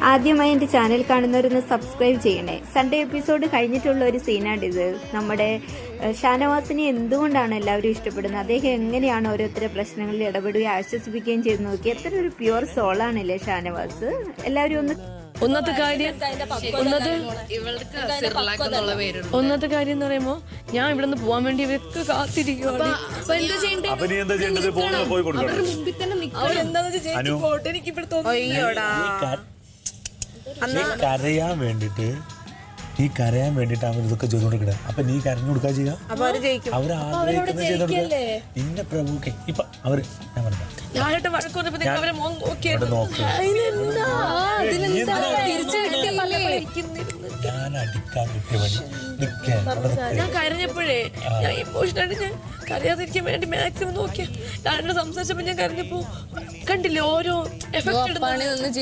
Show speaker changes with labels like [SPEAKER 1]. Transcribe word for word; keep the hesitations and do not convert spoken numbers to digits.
[SPEAKER 1] ആദ്യമായി എൻ്റെ ചാനൽ കാണുന്നവരൊന്ന് സബ്സ്ക്രൈബ് ചെയ്യണേ. സൺഡേ എപ്പിസോഡ് കഴിഞ്ഞിട്ടുള്ള ഒരു സീനാണിത്. നമ്മുടെ ഷാനവാസിനെ എന്തുകൊണ്ടാണ് എല്ലാവരും ഇഷ്ടപ്പെടുന്നത്, അദ്ദേഹം എങ്ങനെയാണ് ഓരോരുത്തരുടെ പ്രശ്നങ്ങളിൽ ഇടപെടുകയും ആശ്വസിപ്പിക്കുകയും ചെയ്ത് നോക്കി. എത്ര ഒരു പ്യുവർ സോളാണല്ലേ ഷാനവാസ്. എല്ലാവരും ഒന്ന്
[SPEAKER 2] ഒന്നത്തെ കാര്യം ഒന്നത്തെ കാര്യം എന്ന് പറയുമ്പോ ഞാൻ ഇവിടെ നിന്ന് പോവാൻ വേണ്ടി ഇവർക്ക് കാത്തിരിക്കുവാണ്.
[SPEAKER 3] കരയാൻ വേണ്ടിട്ട് നീ കരയാൻ വേണ്ടിട്ട് അവർ ഇതൊക്കെ ചെയ്തോണ്ടിരിക്കണേ. അപ്പൊ നീ കരഞ്ഞു കൊടുക്കാ ചെയ്യാ, അവർ ആഗ്രഹിക്കുന്ന ചെയ്തോടുക്ക. ഇന്ന പ്രഭുക്കെ ഇപ്പൊ അവര് ഞാൻ പറഞ്ഞ
[SPEAKER 2] ഞാൻ
[SPEAKER 3] അടിക്കാൻ കിട്ടിയ പണി
[SPEAKER 2] ഞാൻ കരഞ്ഞപ്പോഴേ ഞാൻ ഇമോഷനായിട്ട് ഞാൻ കരയാതിരിക്കാൻ വേണ്ടി മാക്സിമം നോക്കിയ ഞാൻ സംസാരിച്ചപ്പോ ഞാൻ കരഞ്ഞപ്പോ കണ്ടില്ലേ ഓരോ എഫക്ട്